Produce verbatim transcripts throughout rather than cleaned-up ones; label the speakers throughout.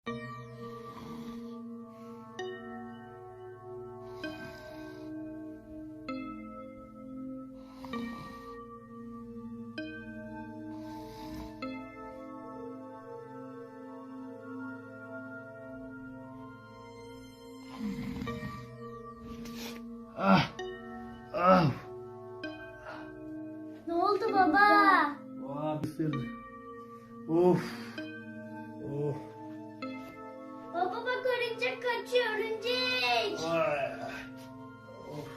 Speaker 1: Ah, ah.
Speaker 2: Ne oldu baba?
Speaker 1: Vah, ısırdı. Of. Of.
Speaker 2: Baba bak örümcek kaçıyor örümcek.
Speaker 1: Ay. Of.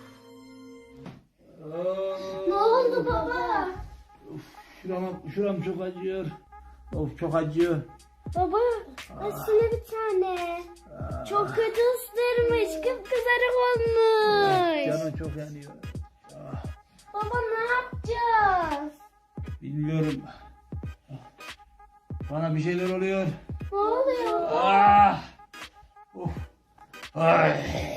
Speaker 2: Ne oldu baba?
Speaker 1: Of, şuram, şuram çok acıyor. Of, çok acıyor.
Speaker 2: Baba aslında bir tane. Çok kötü ısırmış. Kıpkızarık olmuş.
Speaker 1: Canım çok yanıyor. Ah,
Speaker 2: Baba ne yapacağız?
Speaker 1: bilmiyorum. Bana bir şeyler oluyor.
Speaker 2: Ne oluyor baba?
Speaker 1: Ah. Of. Ay.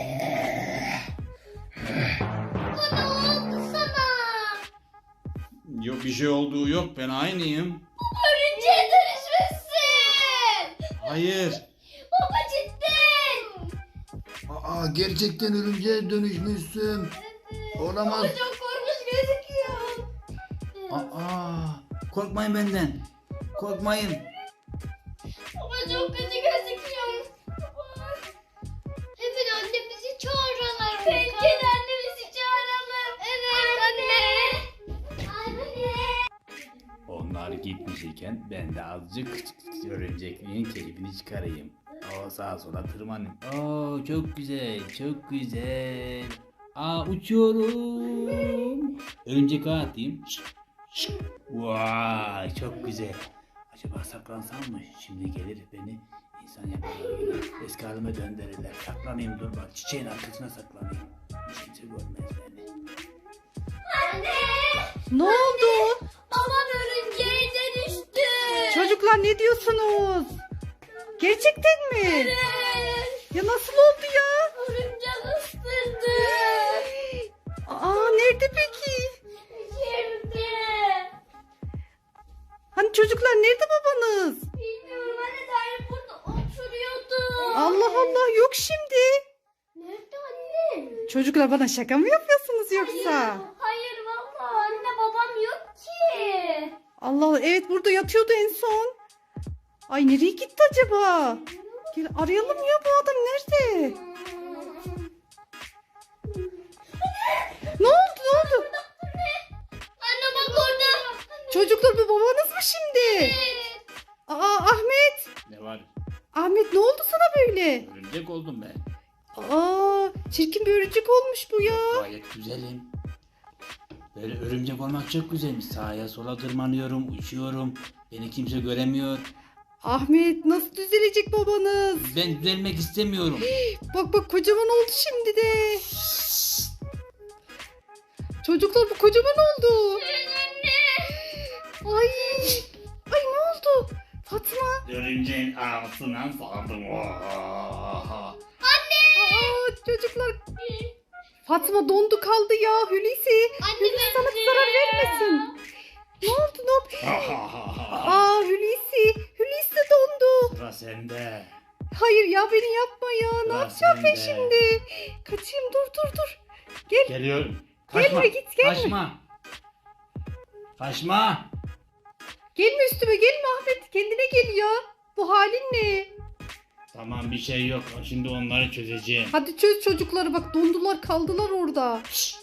Speaker 2: Baba ne oldu sana?
Speaker 3: Yok, bir şey olduğu yok, ben aynıyım.
Speaker 2: Örümceğe dönüşmüşsün.
Speaker 3: Hayır.
Speaker 2: Baba cidden.
Speaker 1: Aa, gerçekten örümceğe dönüşmüşsün. Olamaz.
Speaker 2: Baba çok korkunç gözüküyor.
Speaker 1: Aa, korkmayın benden. Korkmayın.
Speaker 2: Baba çok kötü gözüküyor. Baba. Hemen annemizi çağıralım. Bence de annemizi çağıralım. Evet anne. Anne.
Speaker 3: Onlar gitmiş iken ben de azıcık örümcekliğin keyfini çıkarayım. O sağa sola tırmanayım. Oo, çok güzel, çok güzel. Aa, uçuyorum. Örümcek ağa atayım. Şık, şık. Vay, çok güzel. Acaba saklansam mı? Şimdi gelir beni insan yaparlar gibi eski halime döndürürler. Saklanayım, dur bak, çiçeğin arkasına saklanayım. Kimse görmez beni.
Speaker 2: Anne.
Speaker 4: Ne oldu?
Speaker 2: Babam örümceğe dönüştü.
Speaker 4: Çocuklar ne diyorsunuz? Gerçekten mi?
Speaker 2: Evet.
Speaker 4: Ya nasıl oldu ya?
Speaker 2: Örümcek ısırdı.
Speaker 4: Aa, nerede peki?
Speaker 2: Şimdi.
Speaker 4: Hani çocuklar nerede babanız?
Speaker 2: Bilmiyorum anne dair burada oturuyordu.
Speaker 4: Allah Allah, yok şimdi.
Speaker 2: Nerede anne?
Speaker 4: Çocuklar bana şaka mı yapıyorsunuz yoksa?
Speaker 2: Hayır, hayır vallahi anne babam yok ki.
Speaker 4: Allah Allah, evet burada yatıyordu en son. Ay nereye gitti acaba? Gel arayalım ya, bu adam nerede? Ne oldu ne oldu?
Speaker 2: Anne bak orada.
Speaker 4: Çocuklar bu babanız mı şimdi? Aa Ahmet.
Speaker 3: Ne var?
Speaker 4: Ahmet ne oldu sana böyle?
Speaker 3: Örümcek oldum ben.
Speaker 4: Aa çirkin bir örümcek olmuş bu ya.
Speaker 3: Gayet güzelim. Böyle örümcek olmak çok güzelmiş. Sağa sola tırmanıyorum, uçuyorum. Beni kimse göremiyor.
Speaker 4: Ahmet nasıl düzelecek babanız?
Speaker 3: Ben düzelmek istemiyorum.
Speaker 4: Bak bak kocaman oldu şimdi de. Çocuklar bu kocaman oldu. Ay. Ay ne oldu? Fatma.
Speaker 3: Örümceğin ağzından saldım. Oha.
Speaker 4: Aa çocuklar. Fatma dondu kaldı ya Hulusi. Hulusi sana zarar vermesin. Ne oldu ne oldu? Aa Hulusi. Hulusi de dondu.
Speaker 3: Sıra sende.
Speaker 4: Hayır ya beni yapma ya. Ne
Speaker 3: Sıra
Speaker 4: yapacağım ben
Speaker 3: sende.
Speaker 4: şimdi? Kaçayım dur dur dur. Gel.
Speaker 3: Geliyorum.
Speaker 4: Gelme, git, gelme.
Speaker 3: Kaçma. Kaçma.
Speaker 4: Gelme üstüme gelme Ahmet. Kendine gel ya. Bu halin ne?
Speaker 3: Tamam, bir şey yok. Şimdi onları çözeceğim.
Speaker 4: Hadi çöz çocukları, bak dondular kaldılar orada.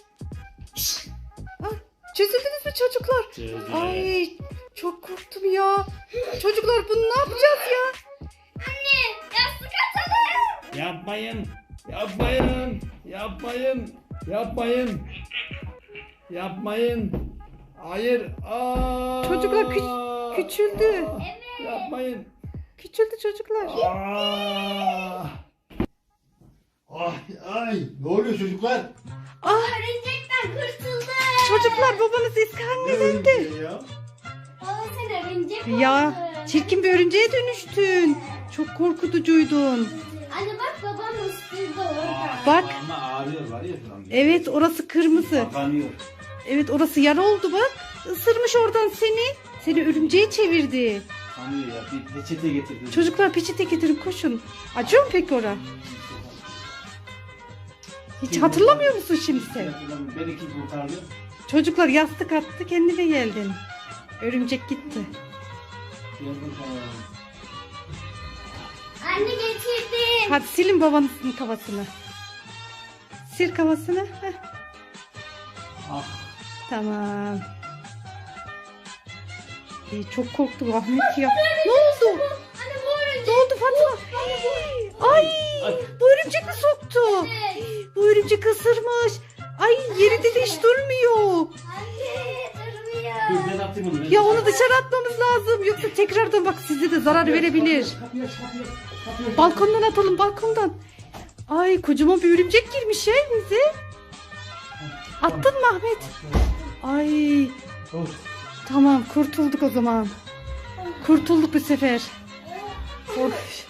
Speaker 4: Ah, çözüldünüz mü çocuklar?
Speaker 3: Çözdüm.
Speaker 4: Ay çok korktum ya. Çocuklar bunu ne yapacağız ya?
Speaker 2: Anne yastık atalım.
Speaker 3: Yapmayın. Yapmayın. Yapmayın. Yapmayın. Yapmayın. Hayır. Aa!
Speaker 4: Çocuklar kü- küçüldü.
Speaker 2: Evet.
Speaker 3: Yapmayın.
Speaker 4: Küçüldü çocuklar.
Speaker 3: Aa!
Speaker 1: Ay, ay, ne oluyor çocuklar?
Speaker 4: Ah
Speaker 2: Örümcekten kurtuldum.
Speaker 4: çocuklar babanız eski haline döndü.
Speaker 1: Örümceği ya.
Speaker 2: Baba sen örümcek oldun.
Speaker 4: Ya çirkin bir örümceğe dönüştün. Çok korkutucuydun.
Speaker 2: Anne bak babam ısırdı orada.
Speaker 4: Bak.
Speaker 3: Ama ağrıyor var ya şu an.
Speaker 4: Evet orası kırmızı.
Speaker 3: Kapanıyor.
Speaker 4: Evet orası yara oldu bak. Isırmış oradan seni. Seni örümceğe çevirdi.
Speaker 3: Kanıyor ya. Bir peçete getirdim.
Speaker 4: Çocuklar peçete getirin koşun. Acıyor mu peki ora? Hiç hatırlamıyor musun şimdi sen?
Speaker 3: Beni kim kurtardı?
Speaker 4: Çocuklar yastık attı kendine geldin. Örümcek gitti.
Speaker 3: Gel bakalım.
Speaker 2: Anne getirdim.
Speaker 4: Hadi silin babanızın kafasını. Sil kafasını. Heh,
Speaker 3: Ah.
Speaker 4: tamam. Ay, çok korktum Ahmet ya. Ne oldu?
Speaker 2: Anne bu örümcek.
Speaker 4: Ne oldu Fatma? Ay, bu örümcek mi soktu? Bu örümcek ısırmış. Ay yerinde de hiç durmuyor.
Speaker 2: Anne durmuyor.
Speaker 3: Dur ben atayım onu. ben.
Speaker 4: Ya onu dışarı atmamız lazım. Yoksa tekrardan bak size de zarar verebilir.
Speaker 3: Kapıyı aç, kapıyı aç, kapıyı aç.
Speaker 4: Balkondan atalım balkondan. Ay kocaman bir örümcek girmiş ya evimize. Attın mı Ahmet? Ay
Speaker 3: Of.
Speaker 4: tamam kurtulduk o zaman. Kurtulduk bu sefer. Of.